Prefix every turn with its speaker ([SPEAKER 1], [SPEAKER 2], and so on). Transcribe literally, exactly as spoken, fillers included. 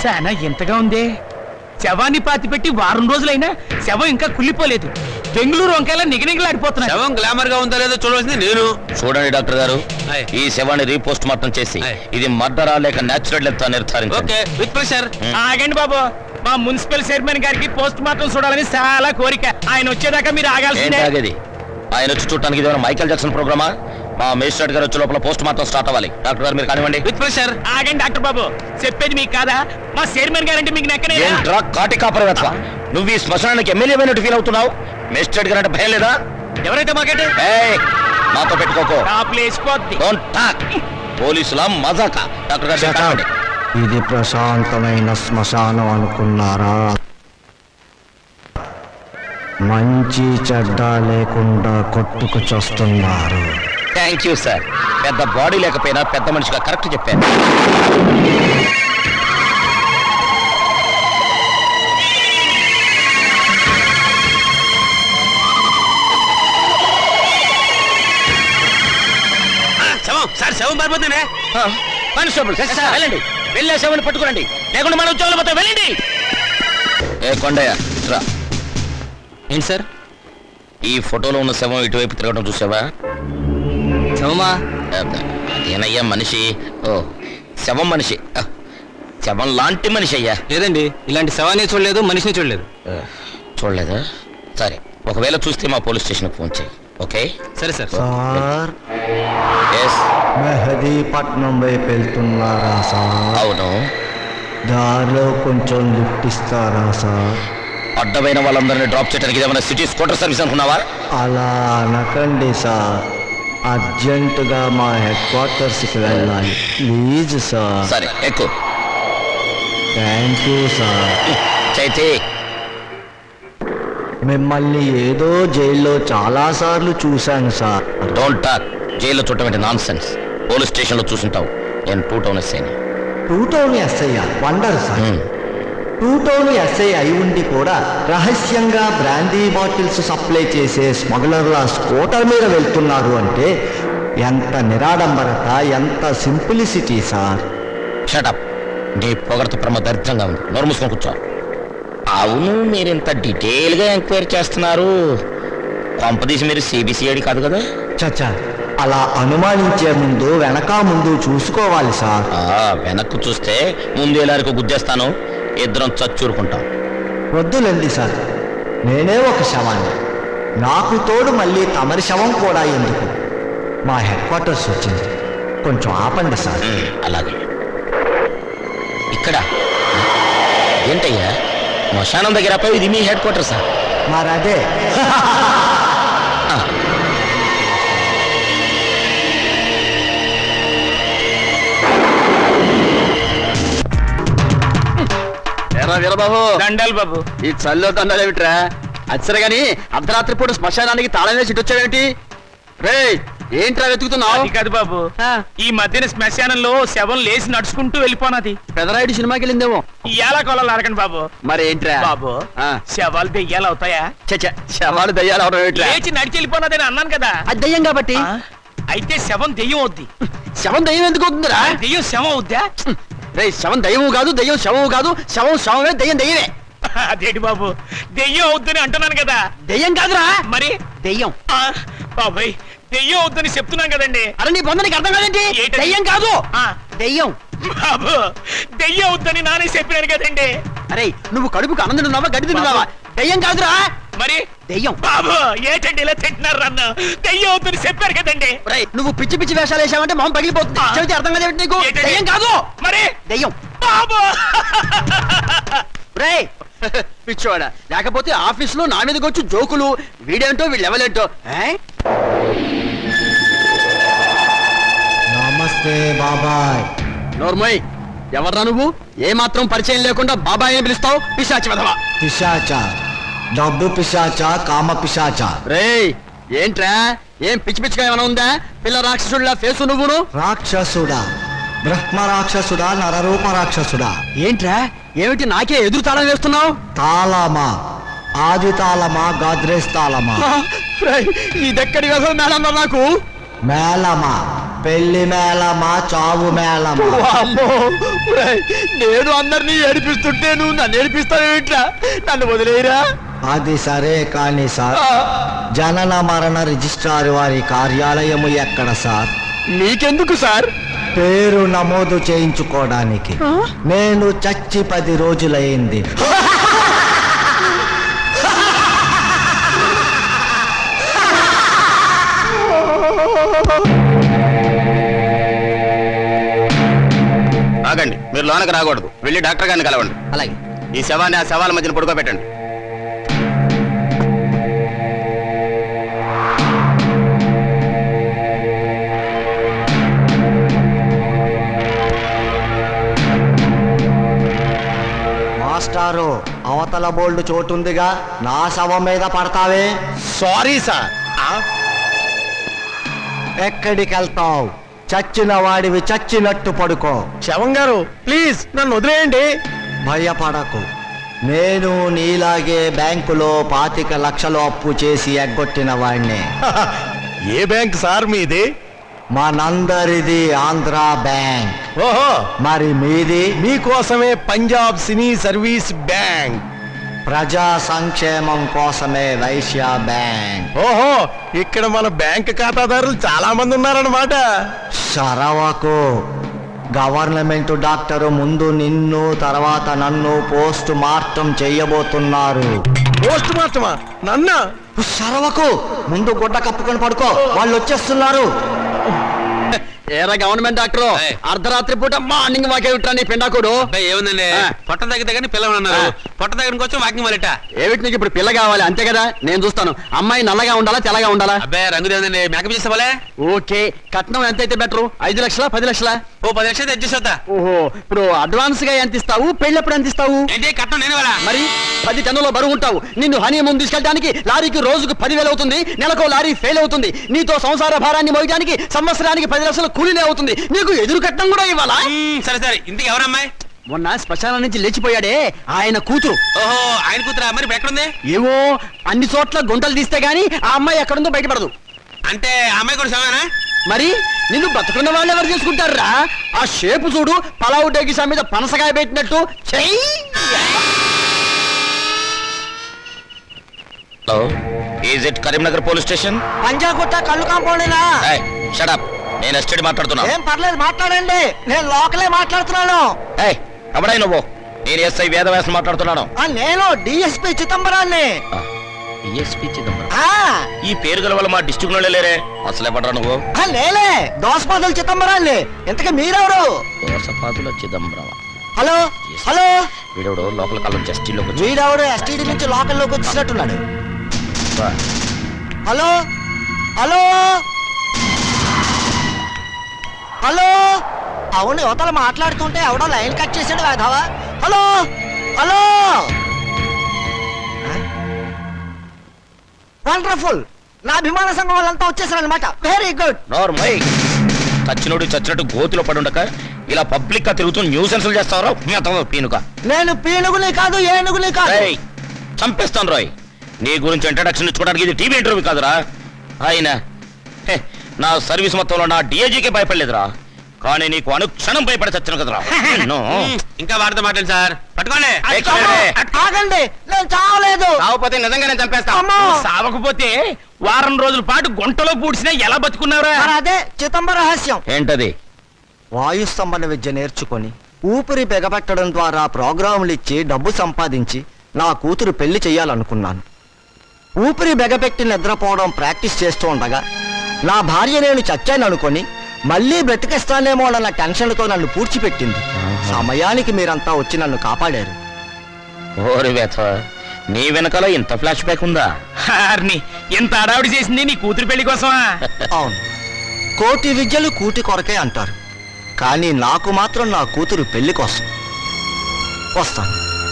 [SPEAKER 1] చాలా ఎంతగా ఉంది. శవాన్ని పాతి పెట్టి వారం రోజులైనా శవం ఇంకా కుళ్ళిపోలేదు. బెంగళూరు వంకాయలా నిగనిగలాడిపోతున్నా.
[SPEAKER 2] శవం గ్లామర్ గా ఉందా లేదో చూడవలసింది నేను.
[SPEAKER 3] చూడండి డాక్టర్ గారు, ఈ శవాన్ని రీపోస్ట్ మార్టం చేసి ఇది మర్డరా లేక నేచురల్ డెత్ నిర్ధారించండి.
[SPEAKER 2] With pressure.
[SPEAKER 1] ఆగండి బాబు, మా మున్సిపల్ చైర్మన్ గారికి పోస్ట్ మార్టం చూడాలని చాలా కోరిక. ఆయన వచ్చేదాకా మీరు ఆగాల్సిందే.
[SPEAKER 3] ఆగేది ఆయన వచ్చి చూడటానికి ఇది మైకేల్ జాక్సన్ ప్రోగ్రామా? మా మేజిస్ట్రేట్ గారు వచ్చే లోపల పోస్ట్ మార్టం స్టార్ట్ అవ్వాలి. డాక్టర్ గారు మీరు కానివ్వండి.
[SPEAKER 2] With pressure.
[SPEAKER 1] ఆగండి డాక్టర్ బాబు, చెప్పేది మీకు కాదా? మా చైర్మన్ గారంటే మీకు నెక్కనే.
[SPEAKER 3] కాటి కాపరవేత్వ, నువ్వు ఈ శ్మశానానికి ఎమ్మెల్యే అయినట్టు ఫీల్ అవుతున్నావు. మేజిస్ట్రేట్ గారు అంటే భయం లేదా?
[SPEAKER 1] ఎవరైతే మాకంటే
[SPEAKER 3] మాతో పెట్టుకోకో. పోలీసుల మజాక. డాక్టర్ గారు కానివ్వండి.
[SPEAKER 4] ఇది ప్రశాంతమైన శ్మశానం అనుకున్నారా? మంచి చెడ్డ లేకుండా కొట్టుకు చస్తున్నారు.
[SPEAKER 3] Thank you sir. పెద్ద బాడీ లేకపోయినా పెద్ద మనిషిగా కరెక్ట్ చెప్పాను.
[SPEAKER 2] శవం సార్, శవం పారిపోతుందే.
[SPEAKER 3] కానిస్టేబుల్ వెళ్ళండి, వెళ్ళే శవాన్ని పట్టుకోండి, లేకుండా మన ఉద్యోగాలు పోతే వెళ్ళండి. ఏ కొండయ్య రా.
[SPEAKER 2] ఏంటి సార్?
[SPEAKER 3] ఈ ఫోటోలో ఉన్న శవం ఇటువైపు తిరగడం చూసావా?
[SPEAKER 2] శవమా?
[SPEAKER 3] అదేనయ్యా మనిషి. ఓ శవం మనిషి, శవం లాంటి మనిషి అయ్యా.
[SPEAKER 2] లేదండి, ఇలాంటి శవాన్ని చూడలేదు, మనిషిని చూడలేదు.
[SPEAKER 3] చూడలేదా? సరే, ఒకవేళ చూస్తే మా పోలీస్ స్టేషన్కి ఫోన్ చేయి. ఓకే
[SPEAKER 2] సరే సార్.
[SPEAKER 4] Sir,
[SPEAKER 3] yes.
[SPEAKER 4] మెహదీపట్నం వైపు వెళ్తున్నారా సార్?
[SPEAKER 3] అవును.
[SPEAKER 4] దారిలో కొంచెం లిఫ్ట్ ఇస్తారా సార్?
[SPEAKER 3] అడ్డమైన వాళ్ళందరినీ డ్రాప్ చేయడానికి ఏమైనా సిటీ స్కూటర్ సర్వీస్ అనుకున్నావా?
[SPEAKER 4] అలా అనకండి సార్, అర్జెంటుగా మా హెడ్ క్వార్టర్స్కి వెళ్ళాలి ప్లీజ్ సార్.
[SPEAKER 3] సరే ఎక్కువ.
[SPEAKER 4] Thank you sir.
[SPEAKER 3] చైతే,
[SPEAKER 4] మిమ్మల్ని ఏదో జైల్లో చాలాసార్లు చూశాను సార్.
[SPEAKER 3] Don't talk. జైల్లో చూడటం నాన్ సెన్స్. పోలీస్ స్టేషన్లో చూసుంటావు. నేను టూ టౌన్ ఎస్ఐని.
[SPEAKER 4] Two town SI wonder sir. Two town SI అయి ఉండి కూడా రహస్యంగా బ్రాందీ బాటిల్స్ సప్లై చేసే స్మగ్లర్ల స్కూటర్ మీద వెళ్తున్నారు అంటే ఎంత నిరాడంబరత, ఎంత సింప్లిసిటీ సార్.
[SPEAKER 3] షటప్. నీ పొగడత ప్రమ దరిద్రంగా ఉంది. నోరు మూసుకొని కూర్చో. అవును, మీరు ఇంత డీటెయిల్గా ఎంక్వైరీ చేస్తున్నారు. కొంపదీసి మీరు సిబిసిఐడి కాదు కదా?
[SPEAKER 4] చచ్చా, అలా అనుమానించే ముందు వెనక ముందు చూసుకోవాలి సార్.
[SPEAKER 3] వెనక్కు చూస్తే ముందు ఎలారికి గుద్దేస్తాను, ఇద్దరం చచ్చూరుకుంటాం.
[SPEAKER 4] వద్దులండి సార్, నేనే ఒక శవాన్ని. నాకు తోడు మళ్ళీ తమరి శవం కూడా ఎందుకు? మా హెడ్ క్వార్టర్స్ వచ్చింది, కొంచెం ఆపండి సార్.
[SPEAKER 3] అలాగే. ఇక్కడ ఏంటయ్యా శ్మశానం దగ్గర పోయి ఇది మీ హెడ్ క్వార్టర్ సార్?
[SPEAKER 4] మరదే.
[SPEAKER 2] వీరబాబు,
[SPEAKER 1] దండాలు బాబు.
[SPEAKER 2] ఈ చల్లో దండాలు ఏమిట్రా? అచ్చరే గాని అర్ధరాత్రి పూట శ్మశానానికి తాళం వేసి వచ్చావేంటి? రే, ఏంట్రా వెతుకుతున్నావు?
[SPEAKER 1] కాదు బాబు, ఈ మధ్యన శ్మశానంలో శవం లేచి నడుచుకుంటూ వెళ్ళిపోనది.
[SPEAKER 2] పెదరాయుడు సినిమాకి వెళ్ళిందేమో.
[SPEAKER 1] ఇయ్యాల కొలాలు అడగండి బాబు.
[SPEAKER 2] మరి ఏంట్రా
[SPEAKER 1] బాబు, శవాలు దెయ్యాలు అవుతాయా?
[SPEAKER 2] చచ్చా, శవాలు దయ్యాలు అవడం ఏమిట్రా?
[SPEAKER 1] లేచి నడిచి వెళ్ళిపోనదని అన్నాను కదా.
[SPEAKER 2] అది దయ్యం కాబట్టి.
[SPEAKER 1] అయితే శవం దెయ్యం అవుద్ది.
[SPEAKER 2] శవం దయ్యం ఎందుకు అవుతుందిరా?
[SPEAKER 1] దెయ్యం శవం అవుద్దా?
[SPEAKER 2] రే, శవం దయ్యము కాదు, దయ్యం శవము కాదు. శవం శవమే, దయ్యం దయ్యమే.
[SPEAKER 1] అదేంటి బాబు, దెయ్యం అవుద్దని అంటున్నాను కదా.
[SPEAKER 2] దయ్యం కాదురా.
[SPEAKER 1] మరి
[SPEAKER 2] దయ్యం.
[SPEAKER 1] బాబాయ్, దెయ్యం అవుద్దని చెప్తున్నాను కదండి.
[SPEAKER 2] అరే, నీ పొందనికి అర్థం కాదేంటి? దయ్యం కాదు, దయ్యం.
[SPEAKER 1] బాబు, దెయ్యం అవుద్దని నానే చెప్పినాను కదండి.
[SPEAKER 2] అరే, నువ్వు కడుపుకు అన్నం తింటున్నావా, గడ్డి తింటున్నావా? దయ్యం కాదురా.
[SPEAKER 1] మరి
[SPEAKER 2] దెయ్యం.
[SPEAKER 1] బాబు, ఏంటండి ఇలా తింటున్నారు? అన్న దెయ్యం అవుద్దని చెప్పారు కదండి.
[SPEAKER 2] నువ్వు పిచ్చి పిచ్చి వేషాలు వేసావంటే మొహం పగిలిపోతుంది. చెబితే అర్థం కాదేమిటి నీకు? దయ్యం కాదు.
[SPEAKER 1] మరి
[SPEAKER 2] దయ్యం.
[SPEAKER 1] బాబు,
[SPEAKER 2] రే పిచ్చోడా, లేకపోతే ఆఫీస్ లో నా మీదకి వచ్చి జోకులు, వీడేంటో వీళ్ళెవలేంటో.
[SPEAKER 4] నమస్తే బాబాయ్.
[SPEAKER 2] నోర్మోయ్, ఎవర్రా నువ్వు? ఏ మాత్రం పరిచయం లేకుండా బాబాయ్ అని పిలుస్తావు? పిశాచి వెధవా.
[SPEAKER 4] పిశాచ, డబ్బు పిశాచ, కామ పిశాచ.
[SPEAKER 2] రే, ఏంట్రా, ఏం పిచ్చి పిచ్చిగా ఏమైనా ఉందా? పిల్ల రాక్షసుడిలా ఫేసు నువ్వును.
[SPEAKER 4] రాక్షసుడా, బ్రహ్మ రాక్షసుడా, నరరూప రాక్షసుడా?
[SPEAKER 2] ఏంట్రా, ఏమిటి నాకే ఎదురు తాళం వేస్తున్నావు?
[SPEAKER 4] తాళమా? ఆది తాళమా, గాద్రేజ్ తాళమా?
[SPEAKER 2] ఇదెక్కడి వ్యధం మేడం నాకు?
[SPEAKER 4] మేళమా, పెళ్లి మేళమా చావు మేళమా?
[SPEAKER 2] అమ్మో ఒరేయ్, నేను అందరినీ ఏడిపిస్తుంటే నువ్వు నన్ను ఏడిపిస్తావేంట్రా? నన్ను వదిలేయరా.
[SPEAKER 4] అది సరే కానీ సార్, జనన మరణ రిజిస్ట్రార్ వారి కార్యాలయము ఎక్కడ సార్?
[SPEAKER 2] నీకెందుకు సార్?
[SPEAKER 4] పేరు నమోదు చేయించుకోవడానికి. నేను చచ్చి పది రోజులైంది.
[SPEAKER 3] ఆగండి, మీరు లోనకి రాకూడదు. వెళ్ళి డాక్టర్ గారిని కలవండి.
[SPEAKER 2] అలాగే.
[SPEAKER 3] ఈ శవాన్ని ఆ శవాల మధ్యన పడుకోబెట్టండి.
[SPEAKER 4] మాస్టారు, అవతల బోల్డ్ చోటుందిగా, నా శవం మీద పడతావే.
[SPEAKER 2] Sorry sir.
[SPEAKER 4] ఎక్కడికి వెళ్తావు? చచ్చిన వాడివి చచ్చినట్టు పడుకో.
[SPEAKER 2] శవం గారు ప్లీజ్ నన్ను వదిలేయండి.
[SPEAKER 4] భయపడకు, నేను నీలాగే బ్యాంకులో పాతిక లక్షలు అప్పు చేసి ఎగ్గొట్టిన వాడిని.
[SPEAKER 2] ఏ బ్యాంక్ సార్ మీది?
[SPEAKER 4] మనందరిది ఆంధ్ర బ్యాంక్.
[SPEAKER 2] ఓహో,
[SPEAKER 4] మరి మీది?
[SPEAKER 2] మీకోసమే పంజాబ్ సినీ సర్వీస్ బ్యాంక్.
[SPEAKER 4] ప్రజా సంక్షేమం కోసమే వైశ్య బ్యాంక్.
[SPEAKER 2] ఓహో, ఇక్కడ మన బ్యాంక్ ఖాతాదారులు చాలా మంది ఉన్నారన్నమాట.
[SPEAKER 4] సరవకు, గవర్నమెంట్ డాక్టరు ముందు నిన్ను తర్వాత నన్ను పోస్ట్ మార్టం చెయ్యబోతున్నారు.
[SPEAKER 2] పోస్ట్ మార్టమా? నన్న?
[SPEAKER 4] సరవకు, ముందు గుడ్డ కప్పుకొని పడుకో, వాళ్ళు వచ్చేస్తున్నారు.
[SPEAKER 2] ఏరా గవర్నమెంట్ డాక్టర్,
[SPEAKER 3] ఏయ్.
[SPEAKER 2] అర్ధరాత్రి పూట మార్నింగ్ వాకే విట్రా నీ పెండాకుడు.
[SPEAKER 3] ఏముందండి,
[SPEAKER 2] ఆ.
[SPEAKER 3] పొట్ట దగ్గర దగ్గర పిల్లమన్నారు.
[SPEAKER 2] ఆ.
[SPEAKER 3] పొట్ట దగ్గర వచ్చి వాకింగ్ మొదలెట్ట.
[SPEAKER 2] ఏమిటి నీకు ఇప్పుడు పిల్ల కావాలి అంతే కదా? నేను చూస్తాను. అమ్మాయి నల్లగా ఉండాలా తెల్లగా ఉండాలా?
[SPEAKER 3] అబ్బాయి రంగు లేదండి, మేకప్ చేసేవాళ్ళే.
[SPEAKER 2] ఓకే, కట్నం ఎంత అయితే బెటరు? ఐదు లక్షలా పది లక్షలా?
[SPEAKER 3] ఓ పది లక్షలు తెచ్చేస్తా.
[SPEAKER 2] ఓహో, ఇప్పుడు అడ్వాన్స్ గా ఎంత ఇస్తావు? పెళ్ళప్పుడు ఎంత ఇస్తావు?
[SPEAKER 3] ఏంటి కట్నం నేను వాళ్ళ?
[SPEAKER 2] మరి పది టన్నుల బరువు ఉంటావు. నిన్ను హనీ ముందు తీసుకెళ్ళడానికి లారీకి రోజుకు పదివేలు అవుతుంది. నెలకు లారీ ఫెయిల్ అవుతుంది. నీతో సంసార భారాన్ని మోయడానికి సంవత్సరానికి పది లక్షల కూలీనే అవుతుంది. నీకు ఎదురు కట్నం కూడా ఇవ్వాలా?
[SPEAKER 3] మ్మ్, సరే సరే, ఇంటికి ఎవరమ్మాయి?
[SPEAKER 2] మొన్న శ్మశానం నుంచి లేచిపోయాడే ఆయన కూతురు.
[SPEAKER 3] ఓహో, ఆయన కూతురా? మరి ఇప్పుడు ఎక్కడుంది?
[SPEAKER 2] ఏవో అన్ని చోట్ల గుంటలు తీస్తే గానీ ఆ అమ్మాయి ఎక్కడుందో బయటపడదు.
[SPEAKER 3] అంటే ఆ అమ్మాయి కూడా సమానా?
[SPEAKER 2] మరి నిన్ను బతుకున్న వాళ్ళు ఎవరు చేసుకుంటారా? ఆ షేపు చూడు, పలావు డేగిసా మీద పనసకాయ పెట్టినట్టు. చెయ్యి.
[SPEAKER 3] Hello, is it Karimnagar police station?
[SPEAKER 4] Panjagutta కళ్ళు కాంపౌండేనా?
[SPEAKER 3] షట్ అప్, నేను ఎస్టేట్ మాట్లాడుతున్నా.
[SPEAKER 4] ఏం పర్లేదు, మాట్లాడండి. నేను లోకలే మాట్లాడుతున్నాను.
[SPEAKER 3] ఏయ్, ఎవడై నువ్వు? నేను ఎస్ఐ వేదవ్యాసం మాట్లాడుతున్నాను.
[SPEAKER 4] ఆ, నేను డిఎస్పి చిదంబరాన్ని.
[SPEAKER 3] డిఎస్పీ చిదంబరం.
[SPEAKER 4] ఆ,
[SPEAKER 3] ఈ పేరు గల వల్ల మా డిస్ట్రిక్ట్ లో లేరే. అసలే పడరా నువ్వు?
[SPEAKER 4] ఆ, నేనే దోసపాదుల చిదంబరాన్ని. ఇంతకీ మీరెవరు?
[SPEAKER 3] దోసపాదుల చిదంబరం.
[SPEAKER 4] హలో హలో,
[SPEAKER 3] వీడోడు లోపల కాలం జస్టిల్లోకి వచ్చి
[SPEAKER 4] వీడెవడు ఎస్టీడీ నుంచి లోకల్లోకి వచ్చినట్టున్నాడు. Hello hello hello. అవును, యువతలు మాట్లాడుతుంటే ఎవడో లైన్ కట్ చేసాడు కాదావా. Hello hello. వండర్ఫుల్, నా అభిమాన సంఘం వాళ్ళంతా వచ్చేసారు అనమాట. Very good.
[SPEAKER 3] నార్మల్. చచ్చినోడు చచ్చినట్టు గోతులో పడుండక ఇలా పబ్లిక్ గా తిరుగుతూ న్యూసెన్స్లు చేస్తావరా పీనుక?
[SPEAKER 4] నేను పీనుగుని కాదు, ఏనుగుని కాదు.
[SPEAKER 3] రేయ్, చంపేస్తాను రాయ్. నీ గురించి ఇంట్రడక్షన్ ఇచ్చుకోవడానికి ఇది టీవీ ఇంటర్వ్యూ కాదురా. ఆయన హే, నా సర్వీస్ మొత్తంలో నా డిఐజీకే భయపడలేదురా, కానీ నీకు అనుక్షణం భయపడి చచ్చాను కదరా. ఇంకా వాడితో మాట్లాడు సార్. పట్టుకోండి.
[SPEAKER 4] ఆగండి, నేను చావలేదు.
[SPEAKER 3] కాకపోతే నిజంగానే చంపేస్తా.
[SPEAKER 4] అమ్మో.
[SPEAKER 1] సావకపోతే వారం రోజుల పాటు గుంటలో పూడ్చినా ఎలా బతుకున్నారా?
[SPEAKER 4] మరి అదే చిదంబర రహస్యం.
[SPEAKER 3] ఏంటది?
[SPEAKER 4] వాయుస్తంభన విద్య నేర్చుకొని ఊపిరి బెగపెట్టడం ద్వారా ప్రోగ్రాములు ఇచ్చి డబ్బు సంపాదించి నా కూతురు పెళ్లి చెయ్యాలనుకున్నాను. ఊపిరి బెగపెట్టి నిద్రపోవడం ప్రాక్టీస్ చేస్తూ ఉండగా నా భార్య నేను చచ్చాను అనుకొని మళ్ళీ బ్రతికేస్తానేమోనన్న టెన్షన్తో నన్ను పూడ్చిపెట్టింది. సమయానికి మీరంతా వచ్చి నన్ను కాపాడారు.
[SPEAKER 3] ఓరి వేత, నీ వెనకాల ఇంత ఫ్లాష్ బ్యాక్ ఉందా?
[SPEAKER 1] హార్ని, ఇంత అడావిడి చేసింది నీ కూతురు పెళ్లి కోసమా?
[SPEAKER 4] అవును, కోటి విద్యలు కూటి కొరకే అంటారు, కానీ నాకు మాత్రం నా కూతురు పెళ్లి కోసం. వస్తాను.